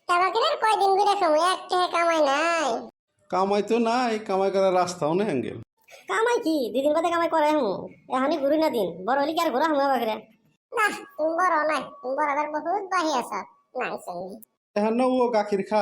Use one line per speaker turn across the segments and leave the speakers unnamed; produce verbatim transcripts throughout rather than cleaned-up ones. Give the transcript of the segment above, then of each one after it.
টাকা কয়দিন ঘুরে সময় এক টাকা কামাই নাই।
কামাই তো নাই, কামাই করার রাস্তাও নেই আঙ্কেল।
কামাই কি দুদিন বাদে কামাই করে হুম এখনই ঘুরি না দিন বড় হলে কি আর ঘোরা হুম বাকরে
না তুমি বড় নাই, তুমি বড়দের বহুত বাহি আছ নাই সঙ্গী।
এখন না ও গাখির খা।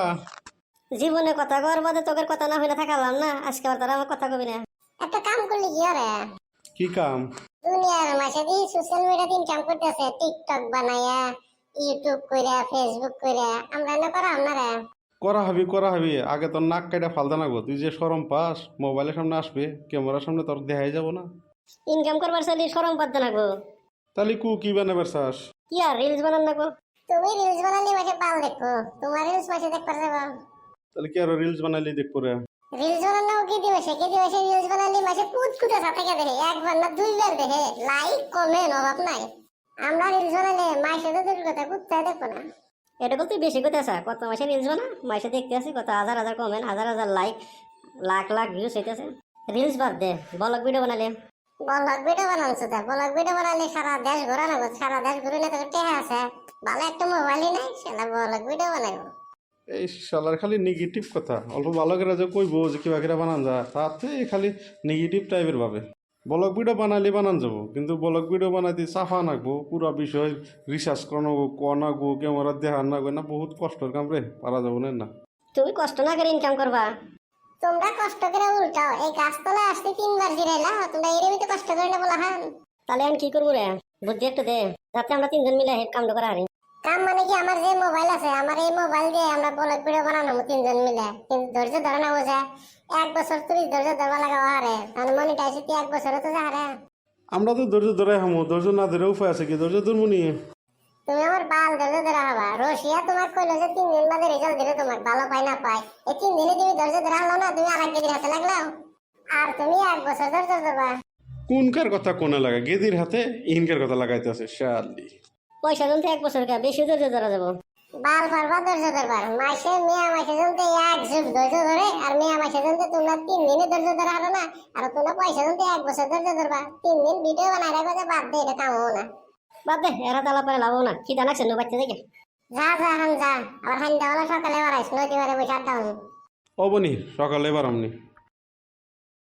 জীবনে কথা কর বাদে তোকের কথা না হইলে থাকালাম না, আজকে আর তারা আমার কথা কবি না।
একটা কাম করলি কি রে?
কি কাম?
দুনিয়ার মাসে দি সোশ্যাল মিডিয়াতে ইনকাম করতেছে, টিকটক বানায়া, ইউটিউব কইরা, ফেসবুক কইরা, আমরা না করাম না রে?
করা হবি করা হবি, আগে তোর নাক কাটা ফালদা নাগবো। তুই যে সরম পাস, মোবাইলের সামনে আসবে, ক্যামেরার সামনে তোর দেখাই যাব না।
ইনকাম করবার চাইলে সরম পাদ্য নাগবো।
তাহলে কু কি বানাবার চাস?
কি আর রিলস বানান নাগবো?
তুমি রিলস বানালে মাসে পাল দেখো, তোমার রিলস মাসে দেখ পারবে।
তাহলে কি আর রিলস বানাইলে দেখবো রে?
রিলস বানানো কি দিবসে কি দিবসে রিলস বানালে মাসে কুত কুতা সাথে দেখে, একবার না দুইবার দেখে, লাইক কমেন্ট অভাব নাই। আমরা রিলস বানালে মাসে তো দূর কথা কুত্তায় দেখো না।
এটা বলতে বেশি কথা আছে, কত মাসে রিলস বানা মাসে দেখতে আসি কত হাজার হাজার কমেন্ট, হাজার হাজার লাইক, লাখ লাখ ভিউজ হইতেছে। রিলস বাদ দে, ব্লগ ভিডিও বানালে।
ব্লগ ভিডিও বানাচ্ছো তা ব্লগ ভিডিও বানালে সারা দেশ ঘোরা না, সারা দেশ ঘুরে না তোর টেহা আছে, ভালো একটা মোবাইলই নাই, সেটা ব্লগ ভিডিও বানাবো।
এই শালার খালি নেগেটিভ কথা, অল্প ভালো করে যে কইবো যে কিবা কিরা বানান যা, তাতে খালি নেগেটিভ টাইপের ভাবে। ব্লগ ভিডিও বানালে বানান যাবো, কিন্তু ব্লগ ভিডিও বানাইতে চাফা নাগবো, পুরো বিষয় রিসার্চ করানো কনাগো, ক্যামেরা দেখা নাগবে না, বহুত কষ্টের কাম রে, পারা যাবো না।
তুমি কষ্ট না করে ইনকাম করবা।
তোমরা কষ্ট করে উল্টাও, এই গাছতলায় আসতে তিনবার জিরাইলা, তোমরা এরই তো কষ্ট করে না বলা হান।
তাহলে আমি কি করবো রে, বুদ্ধি একটু দে, যাতে আমরা তিনজন মিলে কামটা করা হারি।
কাম মানে কি, আমার যে মোবাইল আছে, আমার এই মোবাইল দিয়ে আমরা ব্লগ ভিডিও বানানো তিনজন মিলে, কিন্তু ধৈর্য ধরে না বোঝা, এক বছর তুই ধৈর্য ধরবা লাগা হারে, তাহলে মনিটাইজ কি এক বছরে তো যা হারে।
আমরা তো ধৈর্য ধরে হামো, ধৈর্য না ধরে উপায় আছে কি? ধৈর্য ধরমুনি।
তুমি আমার বাল ধৈর্য ধরা হবা। রশিয়া তোমার কইলো যে তিন দিন বাদে রেজাল্ট দিবে, তোমার ভালো পাই না পাই, এই তিন দিনে তুমি ধৈর্য ধরা হলো না, তুমি আর এক কেজির হাতে লাগলাও, আর তুমি এক বছর ধৈর্য ধরবা।
কোনকার কথা কোনে লাগা? গেদির হাতে ইনকার কথা লাগাইতে আছে শালি।
পয়সা জনতে এক বছর কা বেশি ধৈর্য ধরা যাবো।
বাল পারবা ধৈর্য ধরবার, মাসে মেয়া মাসে জনতে এক যুগ ধৈর্য ধরে, আর মেয়া মাসে জনতে তোমরা তিন দিনে ধৈর্য ধরা হলো না, আর তোমরা পয়সা জনতে এক বছর ধৈর্য ধরবা। তিন দিন ভিডিও বানাই রাখবে যে বাদ দে, এটা কাম হবো না।
বাদ দে, এরা তালা পরে লাভও না, কি জানাচ্ছে নো বাচ্চা দেখে।
যা যা হান যা, আবার হান দেওয়ালা সকালে বাড়াইস, নদী বারে বসে আড্ডা হন।
অবনি সকালে এবার আমনি।